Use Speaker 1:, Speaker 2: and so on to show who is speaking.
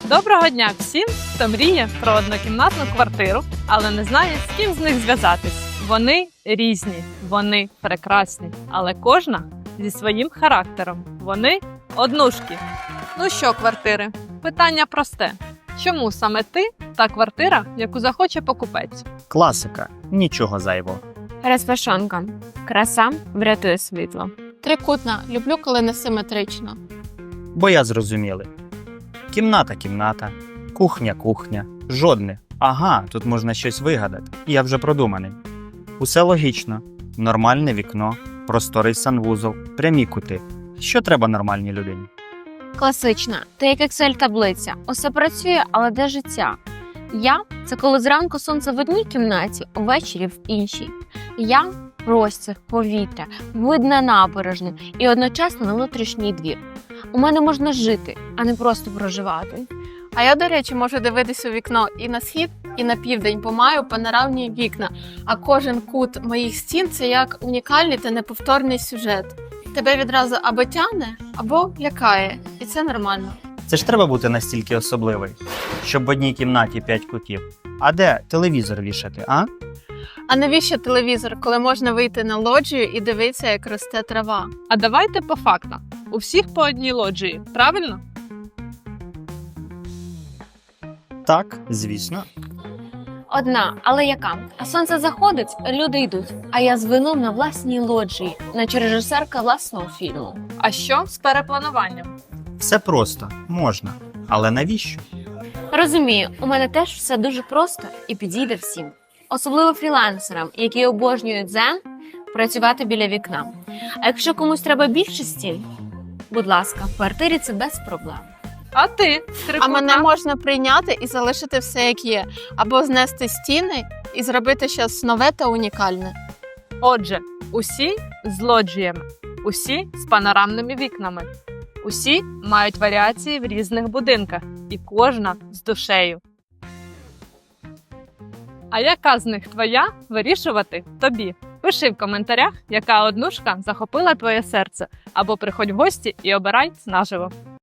Speaker 1: Доброго дня всім, хто мріє про однокімнатну квартиру, але не знає, з ким з них зв'язатись. Вони різні, вони прекрасні, але кожна зі своїм характером. Вони однушки. Ну що, квартири? Питання просте. Чому саме ти та квартира, яку захоче покупець?
Speaker 2: Класика. Нічого зайвого.
Speaker 3: Розпашонка. Краса врятує світло.
Speaker 4: Трикутна. Люблю, коли не симетрично.
Speaker 2: Бо я зрозуміли. Кімната, кухня. Жодне. Ага, тут можна щось вигадати. Я вже продуманий. Усе логічно. Нормальне вікно, просторий санвузол, прямі кути. Що треба нормальній людині?
Speaker 3: Класична. Ти як Excel-таблиця. Усе працює, але де життя? Я – це коли зранку сонце в одній кімнаті, увечері в іншій. Я – простір, повітря, вид на набережну і одночасно на внутрішній двір. У мене можна жити, а не просто проживати.
Speaker 4: А я, до речі, можу дивитися у вікно і на схід, і на південь, бо маю панорамні вікна. А кожен кут моїх стін – це як унікальний та неповторний сюжет. Тебе відразу або тягне, або лякає. І це нормально.
Speaker 2: Це ж треба бути настільки особливий, щоб в одній кімнаті 5 кутів. А де телевізор вішати, а?
Speaker 4: А навіщо телевізор, коли можна вийти на лоджію і дивитися, як росте трава?
Speaker 1: А давайте по фактам. У всіх по одній лоджії, правильно?
Speaker 2: Так, звісно.
Speaker 3: Одна, але яка? А сонце заходить, люди йдуть. А я з вином на власній лоджії, наче режисерка власного фільму.
Speaker 1: А що з переплануванням?
Speaker 2: Все просто, можна. Але навіщо?
Speaker 3: Розумію, у мене теж все дуже просто і підійде всім. Особливо фрілансерам, які обожнюють дзен, працювати біля вікна. А якщо комусь треба більше стін, будь ласка, в квартирі це без проблем.
Speaker 1: А ти,
Speaker 4: А
Speaker 1: трикутна?
Speaker 4: мене можна прийняти і залишити все, як є. Або знести стіни і зробити щось нове та унікальне.
Speaker 1: Отже, усі з лоджіями, усі з панорамними вікнами, усі мають варіації в різних будинках і кожна з душею. А яка з них твоя, вирішувати тобі. Пиши в коментарях, яка однушка захопила твоє серце, або приходь в гості і обирай наживо.